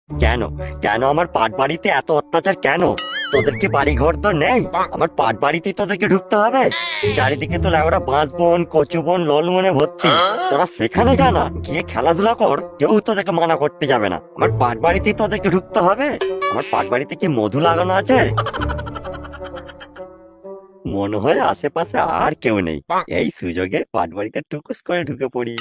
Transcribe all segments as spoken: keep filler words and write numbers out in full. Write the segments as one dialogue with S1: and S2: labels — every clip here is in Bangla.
S1: কেন কেন আমার পাট বাড়িতে এত অত্যাচার কেন? তোদেরকে বাড়ি ঘর তো নেই, আমার পাট বাড়িতে তোদেরকে ঢুকতে হবে? চারিদিকে তো লেবরা বাঁশ বন, কচু বন, ললমনে ভর্তি। তোরা সেখানে জানা গিয়ে খেলাধুলা কর, কেউ তোদেরকে মানা করতে যাবে না। আমার পাট বাড়িতেই তোদেরকে ঢুকতে হবে। আমার পাট বাড়িতে কি মধু লাগানো আছে? মনে হয় আশেপাশে আর কেউ নেই, এই সুযোগে পাট বাড়িতে টুকুস করে ঢুকে পড়ি।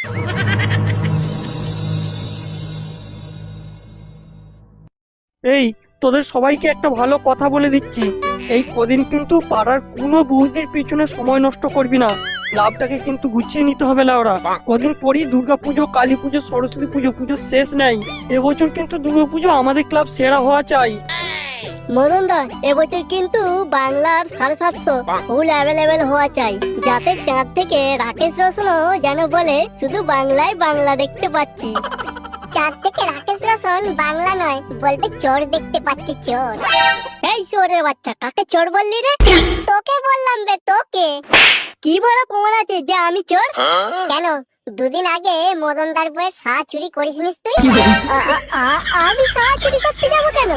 S2: এই তোদের সবাইকে একটা ভালো কথা বলে দিচ্ছি, এই কদিন কিন্তু পাড়ার কোনো বৌদির পিছনে সময় নষ্ট করবি না। লাভটাকে কিন্তু গুছিয়ে নিতে হবে লাউরা। কদিন পরই দুর্গা পুজো, কালী পুজো, সরস্বতী পুজো, পুজো শেষ নেই। এবছর কিন্তু দুর্গা পুজো আমাদের ক্লাব সেরা হওয়া চাই।
S3: মদন দা, এবছর কিন্তু বাংলার সাড়ে সাতশো ফুল অ্যাভেলেবেল হওয়া চাই, যাতে চাঁদ থেকে রাকেশ রোশনও যেন বলে শুধু বাংলায় বাংলা দেখতে পাচ্ছি। চাঁদ থেকে রাকেশ রোশন বাংলা নয়, বলবে চোর দেখতে পাচ্ছি, চোর। এই চোরের বাচ্চা, কাকে চোর বললি রে? তোকে বললাম বে, তোকে। কি বড় প্রমাণ আছে যে আমি চোর? কেন, দুদিন আগে মদনদার বইয়ের সা চুরি করিসনিস তুই? আ- আ- আ- আমি সা চুরি করতে যাবো কেন?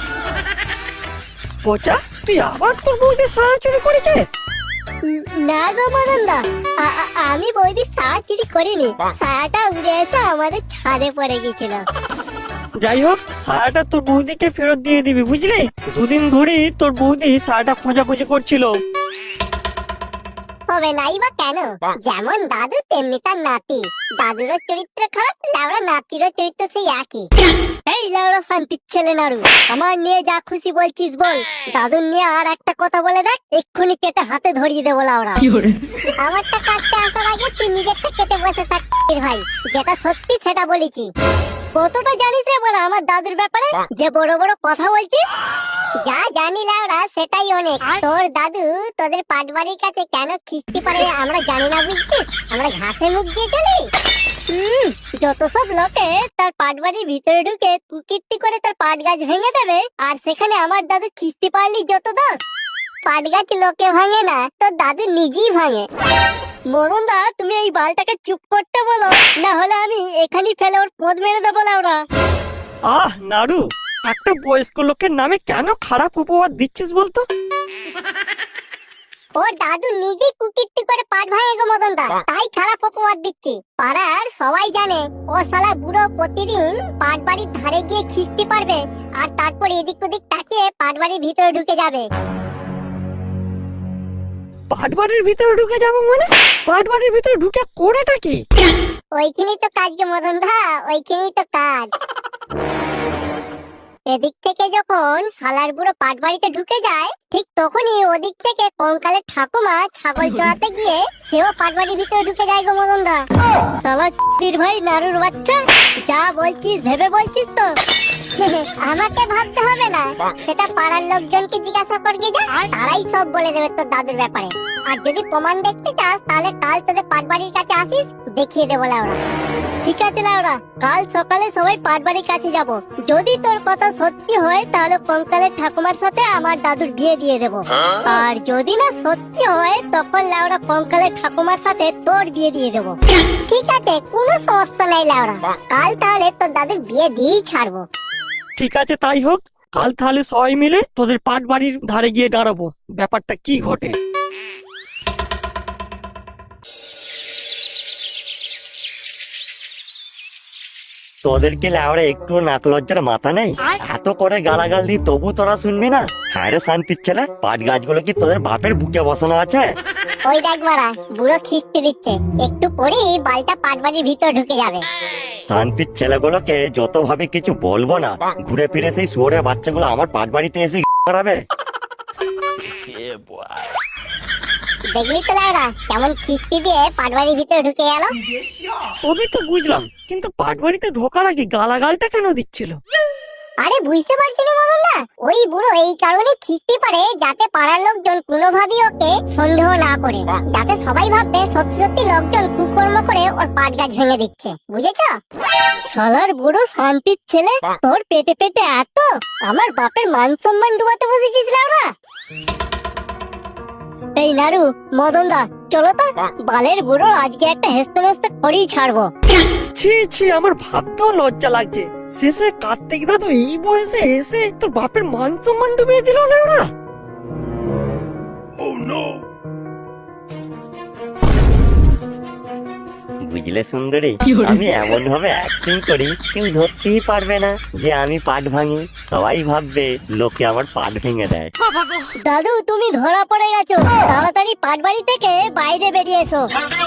S2: পচা, তুই আবার তোর বৌদির সাহায্য চুরি করেছিস?
S3: না গো মদনদা, আ- আ- আমি বৌদি সা চুরি করিনি, সাটা উড়ে এসে আমাদের ছাদে পড়ে গেছিল।
S2: যাই হোক, সায়াটা তোর বৌদিকে ফেরত দিয়ে দিবি, বুঝলি? দুদিন ধরে তোর বৌদি সায়াটা খোঁজাখুঁজি করছিল।
S3: হবে নাই বা কেন? যেমন দাদু তেমনি তার নাতি। দাদুরও চরিত্র খারাপ, লাউড়া নাতিরও চরিত্র সেই একই। এই লাউড়া শান্তির ছেলে নাড়ু, আমার নিয়ে যা খুশি বলছিস বল, দাদুর নিয়ে আর একটা কথা বলে দেখ, এক্ষুনি কেটে হাতে ধরিয়ে দেবো লাউড়া। আমারটা কাটতে আসার আগে তুই নিজেরটা কেটে বসে থাক ভাই, যেটা সত্যি সেটা বলেছি। কতটা জানিস রে বড় আমার দাদুর ব্যাপারে, যে বড় বড় কথা বলছিস? যা জানি লাউড়া সেটাই অনেক। তোর দাদু তোদের পাটবাড়ির কাছে কেন খিস্তি পারে আমরা জানি না, বুঝছিস? আমরা ঘাসে মুখ দিয়ে চলি। হুম, যত সব লোকে তার পাটবাড়ির ভিতরে ঢুকে কুকীর্তি করে তার পাট গাছ ভেঙে দেবে, আর সেখানে আমার দাদু খিস্তি পারলি যত দোষ। পাট গাছ লোকে ভাঙে না, তোর দাদু নিজেই ভাঙে। মরণদা, তুমি এই বালটাকে চুপ করতে বলো, না হলে আমি এখানেই ফেলে ওর পদ মেরে দেবো লাউড়া।
S2: আহ নাড়ু, একটা বয়স্ক লোকের নামে কেন খারাপ উপহার দিচ্ছিস বলতো?
S3: ওর দাদু নিজেই কুকীর্তি করে পাট ভাঙে গো মদনদা, তাই খারাপ অপবাদ দিচ্ছি। পাড়ার সবাই জানে ও শালা বুড়ো প্রতিদিন পাট বাড়ির ধারে গিয়ে খিস্তি পারবে, আর তারপর এদিক ওদিক তাকিয়ে পাট বাড়ির ভিতরে ঢুকে যাবে।
S2: পাটবাড়ির ভিতরে ঢুকে যাবো মানে? পাটবাড়ির ভিতরে ঢুকে করেটা কি?
S3: ওইখানেই তো কাজ গো মদনদা, ওইখানেই তো কাজ। এদিক থেকে যখন শালার বুড়ো পাট বাড়িতে ঢুকে যায়, ঠিক তখনই ওদিক থেকে কঙ্কালের ঠাকুমা ছাগল চড়াতে গিয়ে সেও পাট বাড়ির ভিতরে ঢুকে যায় গো মদনদা। শালা চির ভাই নাড়ুর বাচ্চা, যা বলছিস ভেবে বলছিস তো? আমাকে ভাবতে হবে না, সেটা পাড়ার লোকজনকে জিজ্ঞাসা করবি, যা, তারাই সব বলে দেবে তোর দাদুর ব্যাপারে। আর যদি প্রমাণ দেখতে চাস তাহলে কাল তোদের পাট বাড়ির কাছে আসিস, দেখিয়ে দেবো লাউড়া। ঠিক আছে লাউড়া, কাল সকালে সবাই পাট বাড়ির কাছে যাব। যদি তোর কথা সত্যি হয় তাহলে কঙ্কালের ঠাকুমার সাথে আমার দাদুর বিয়ে দিয়ে দেব, আর যদি না সত্যি হয় তখন লাউড়া কঙ্কালের ঠাকুমার সাথে তোর বিয়ে দিয়ে দেব। ঠিক আছে, কোনো সমস্যা নাই লাউড়া, কাল তাহলে তোর দাদুর বিয়ে দিয়েই ছাড়বো।
S2: ঠিক আছে, তাই হোক। কাল তাহলে সবাই মিলে তোদের পাট বাড়ির ধারে গিয়ে দাঁড়াবো, ব্যাপারটা কি ঘটে।
S1: তোদেরকে লেওরা একটু নাক লজ্জার মাথা নেই? এত করে গালাগাল দিই তবু তোরা শুনবি না? হ্যাঁ রে শান্তির ছেলে, পাট গাছগুলো কি তোদের বাপের বুকে বসানো আছে?
S3: ওই দেখ মারা, বুড়ো খিস্তি দিচ্ছে, একটু পরেই বালটা পাট বাড়ির ভিতর ঢুকে যাবে।
S1: শান্তির ছেলেগুলোকে যত ভাবে কিছু বলবো না, ঘুরে ফিরে সেই শুয়োরের বাচ্চাগুলো আমার পাট বাড়িতে এসে করাবে।
S3: দেখলি তো লাউড়া কেমন খিস্তি দিয়ে পাট বাড়ির ভিতরে ঢুকে গেল?
S2: সবই তো বুঝলাম, কিন্তু পাট বাড়িতে ঢোকার আগে গালাগালটা কেন দিচ্ছিল?
S3: আরে বুঝতে পারছি না মদন না, ওই বুড়ো এই কারণে খিস্তি পারে যাতে পাড়ার লোকজন কোনোভাবেই ওকে সন্দেহ না করে, যাতে সবাই ভাববে সত্যি সত্যি লোকজন কুকর্ম করে ওর পাট গাছ ভেঙে দিচ্ছে, বুঝেছো? শালার বুড়ো শান্তির ছেলে, তোর পেটে পেটে এত, আমার বাপের মান সম্মান ডুবাতে বসেছিস লাউড়া। এই নাড়ু, মদন দা, চলো তো, বালের বুড়ো আজকে একটা হেসতে হেসতে করেই ছাড়বো।
S2: ছি ছি, আমার ভাবতেও লজ্জা লাগছে। শেষে কার্তিক দাদু এই বয়সে এসে তোর বাপের মান সম্মান ডুবিয়ে দিল না ওরা।
S1: বুঝলে সুন্দরী, আমি এমন ভাবে অ্যাক্টিং করি কেউ ধরতেই পারবে না যে আমি পাট ভাঙি। সবাই ভাববে লোকে আমার পাট ভেঙে দেয়।
S3: দাদু তুমি ধরা পড়ে গেছো, তাড়াতাড়ি পাটবাড়ি থেকে বাইরে বেরিয়ে এসো।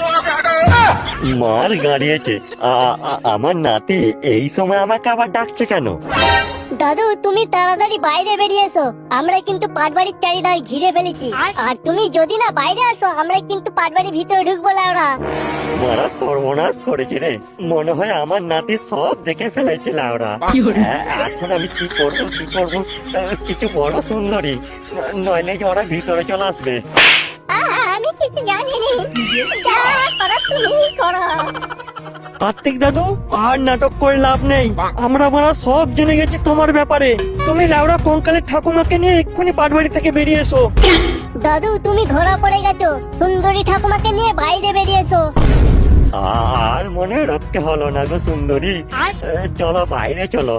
S1: মার গাড়িয়েছে। আ- আ- আমার নাতি এই সময় আমাকে আবার ডাকছে কেন?
S3: দাদু তুমি তাড়াতাড়ি বাইরে বেরিয়ে এসো, আমরা কিন্তু পাটবাড়ির চারিধার ঘিরে ফেলেছি। আর তুমি যদি না বাইরে আসো আমরা কিন্তু পাটবাড়ির ভিতরে ঢুকবো লাউড়া।
S1: মারা সর্বনাশ করেছে রে, মনে হয় আমার নাতি সব দেখে ফেলেছে লাউরা। হ্যাঁ, এখন আমি কি করবো কি করবো? আহ, কিছু বড় সুন্দরী, ন- নইলে যে ওরা ভিতরে চলে আসবে।
S3: আমি কিছু জানি না, যা করার তুমি করো।
S2: কার্তিক দাদু আর নাটক করে লাভ নেই, আমরা মারা সব জেনে গেছি তোমার ব্যাপারে। তুমি লাউড়া কঙ্কালের ঠাকুমাকে নিয়ে এক্ষুনি পাটবাড়ি থেকে বেরিয়ে এসো।
S3: দাদু তুমি ধরা পড়ে গেছো, সুন্দরী ঠাকুমাকে নিয়ে বাইরে বেরিয়ে এসো।
S1: আর মনে রাখতে হলো না গো সুন্দরী, এ, চলো বাইরে চলো।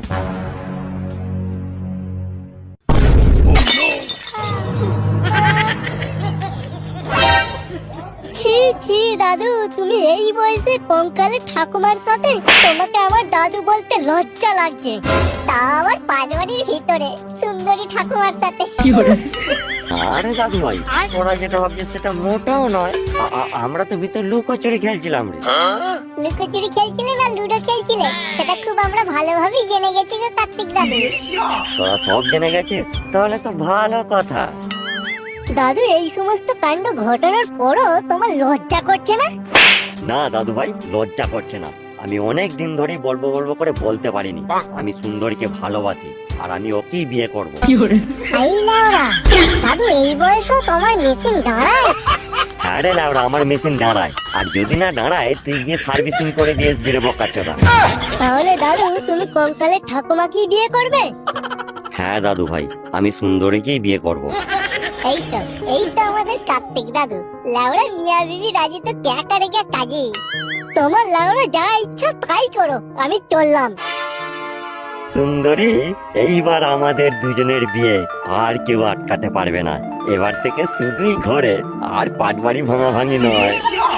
S3: ছি ছি দাদু, তুমি এই বয়সে কঙ্কালের ঠাকুমার সাথে? তোমাকে আমার দাদু বলতে লজ্জা লাগছে, তা আবার পাটবাড়ির ভিতরে সুন্দরী ঠাকুমার সাথে।
S1: আরে দাদু ভাই, তোরা যেটা ভাবছিস সেটা মোটাও নয়। আ- আ- আমরা তো ভিতরে লুকোচুরি খেলছিলাম রে।
S3: লুকোচুরি খেলছিলে না লুডো খেলছিলে সেটা খুব আমরা ভালোভাবেই জেনে গেছি গো কার্তিক দাদু।
S1: তোরা সব জেনে গেছিস, তাহলে তো ভালো কথা।
S3: দাদু এই সমস্ত কাণ্ড ঘটানোর পরও তোমার লজ্জা করছে না?
S1: না দাদু ভাই, লজ্জা করছে না। আমি অনেক দিন ধরেই বলবো বলবো করে বলতে পারিনি আমি সুন্দরীকে ভালোবাসি আর আমি ওকেই বিয়ে করব।
S3: এই লাউরা, দাদু এই বয়সেও তোমার মেশিন দাঁড়ায়?
S1: হ্যাঁ রে লাউড়া, আমার মেশিন দাঁড়ায়, আর যদি না দাঁড়ায় তুই গিয়ে সার্ভিসিং করে দিয়ে আসবি রে বোকাচোদা।
S3: তাহলে দাদু তুমি কঙ্কালের ঠাকুমাকেই বিয়ে করবে?
S1: হ্যাঁ দাদু ভাই, আমি সুন্দরীকেই বিয়ে করব।
S3: এই তো এই তো আমাদের কার্তিক দাদু। লাউড়া মিয়া বিবি রাজি তো ক্যাকা রেখে কাজে। তোমার লাউড়া যা ইচ্ছা তাই করো, আমি চললাম।
S1: সুন্দরী, এইবার আমাদের দুজনের বিয়ে আর কেউ আটকাতে পারবে না। এবার থেকে শুধুই ঘরে, আর পাটবাড়ি ভাঙা ভাঙি নয়।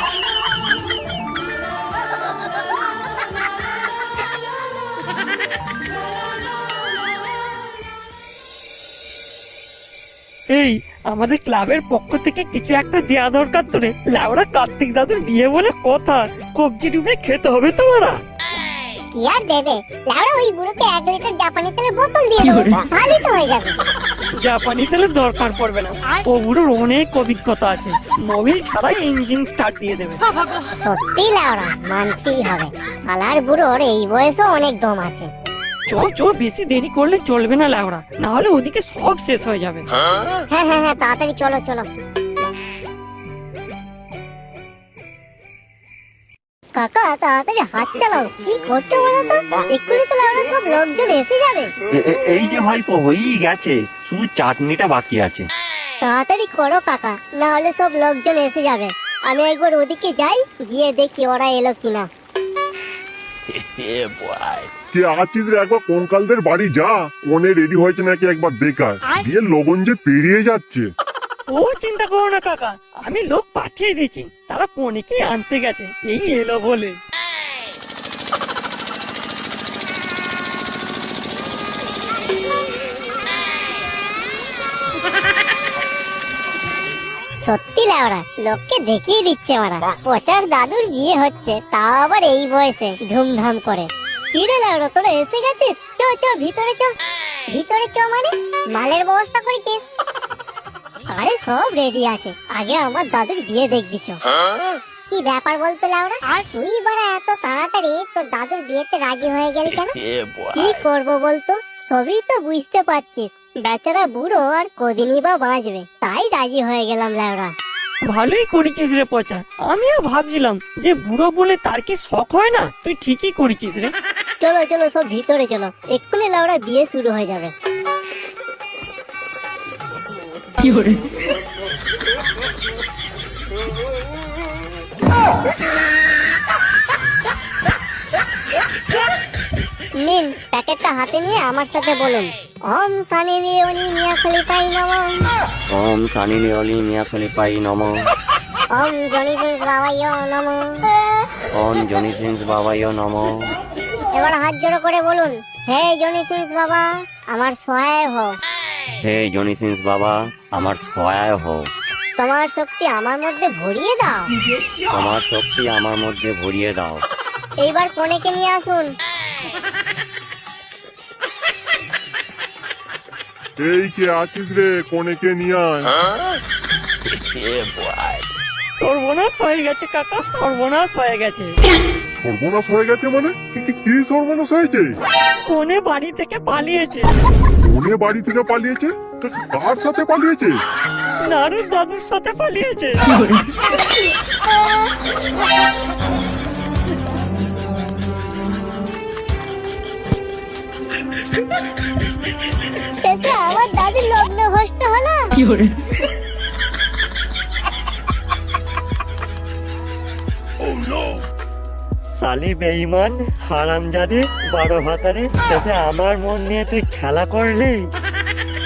S2: এই আমাদের ক্লাবের পক্ষ থেকে কিছু একটা দেয়া দরকার তোরে। লাউড়া কার্তিক দাদুর বিয়ে বলে কথা, কবজি ডুবে খেতে হবে তোমারা।
S3: কি আর দেবে লাউড়া, ওই বুড়োকে এক লিটার জাপানি তেলের বোতল দিয়ে দেবো, ভালোই তো হয়ে যাবে।
S2: জাপানি তেলের দরকার পড়বে না, ও বুড়োর অনেক অভিজ্ঞতা আছে, মোবিল ছাড়াই ইঞ্জিন স্টার্ট দিয়ে দেবে।
S3: সত্যি লাউড়া মানতেই হবে, শালার বুড়োর এই বয়সও অনেক দম আছে।
S2: চো চো, বেশি দেরি করলে চলবে না লাউড়া, না হলে ওদিকে সব শেষ হয়ে যাবে।
S3: হ্যাঁ হ্যাঁ হ্যাঁ, তাড়াতাড়ি চলো চলো। কাকা তাড়াতাড়ি হাত চালাও, কি করছো বলো তো? এক্ষুনি তো লাউড়া সব লোকজন এসে যাবে।
S1: এ- এ- এই যে ভাইপো হয়েই গেছে, শুধু চাটনিটা বাকি আছে।
S3: তাড়াতাড়ি করো কাকা, না হলে সব লোকজন এসে যাবে। আমি একবার ওদিকে যাই, গিয়ে দেখি ওরা এলো কিনা।
S4: কে আছিস রে, একবার কঙ্কালদের বাড়ি যা, কোনে রেডি হয়েছে নাকি একবার দেখার। বিয়ের লগন যে পেরিয়ে যাচ্ছে।
S2: ও চিন্তা করো না কাকা, আমি লোক পাঠিয়ে দিয়েছি, তারা পনিকে আনতে গেছে, এই এলো বলে।
S3: সত্যি লাউড়া লোককে দেখিয়ে দিচ্ছে ওরা, পচার দাদুর বিয়ে হচ্ছে, তাও আবার এই বয়সে ধুমধাম করে। কিরে লাউড়া তোরা এসে গেছিস? চ চ ভিতরে চ। ভিতরে চ মানে মালের ব্যবস্থা করেছিস? আরে সব রেডি আছে, আগে আমার দাদুর বিয়ে দেখবি চ। কি ব্যাপার বলতো লাউড়া, তুই বড় এত তাড়াতাড়ি তোর দাদুর বিয়েতে রাজি হয়ে গেলি কেন? কি করব বলতো, সবই তো বুঝতে পারছিস, বেচারা বুড়ো আর কদিনই বা বাঁচবে, তাই রাজি হয়ে গেলাম লাউড়া।
S2: ভালোই করেছিস রে পচা, আমিও ভাবছিলাম যে বুড়ো বলে তার কি শখ হয় না, তুই ঠিকই করেছিস রে।
S3: চলো চলো সব ভিতরে চলো, এক্ষুনি লাউড়া বিয়ে শুরু হয়ে যাবে।
S2: কি করে
S3: নিন প্যাকেটটা হাতে নিয়ে আমার সাথে বলুন, ওম সানি লিওনি মিয়া খলিফাই নমঃ,
S1: ওম সানি লিওনি মিয়া খলিফাই নমঃ,
S3: ওম জনি সিংস বাবাইও নমঃ।
S1: ওম জনি সিংস বাবাইও নমঃ।
S3: এবার হাত জোড়ো করে বলুন, হে জনি সিংস বাবা আমার সহায় হও,
S1: হে জনি সিংস বাবা আমার সহায় হও,
S3: তোমার শক্তি আমার মধ্যে ভরিয়ে দাও।
S1: তোমার শক্তি আমার মধ্যে ভরিয়ে দাও।
S3: এইবার কনেকে নিয়ে আসুন।
S4: এই কে আছিস রে, কোনেকে নিয়ে আয়।
S2: সর্বনাশ হয়ে গেছে কাকা, সর্বনাশ হয়ে গেছে।
S4: সর্বনাশ হয়ে গেছে মানে কি কি- কি সর্বনাশ হয়েছে?
S2: কোনে বাড়ি থেকে পালিয়েছে,
S4: কোনে বাড়ি থেকে পালিয়েছে? কা- কার সাথে পালিয়েছে?
S2: নারুর দাদুর সাথে পালিয়েছে।
S3: শেষে আমার দাদির লগ্ন ভ্রষ্ট হলো।
S1: সালি বেঈমান হারামজাদে বারো ভাতারে শেষে আমার মন নিয়ে তুই খেলা করলি।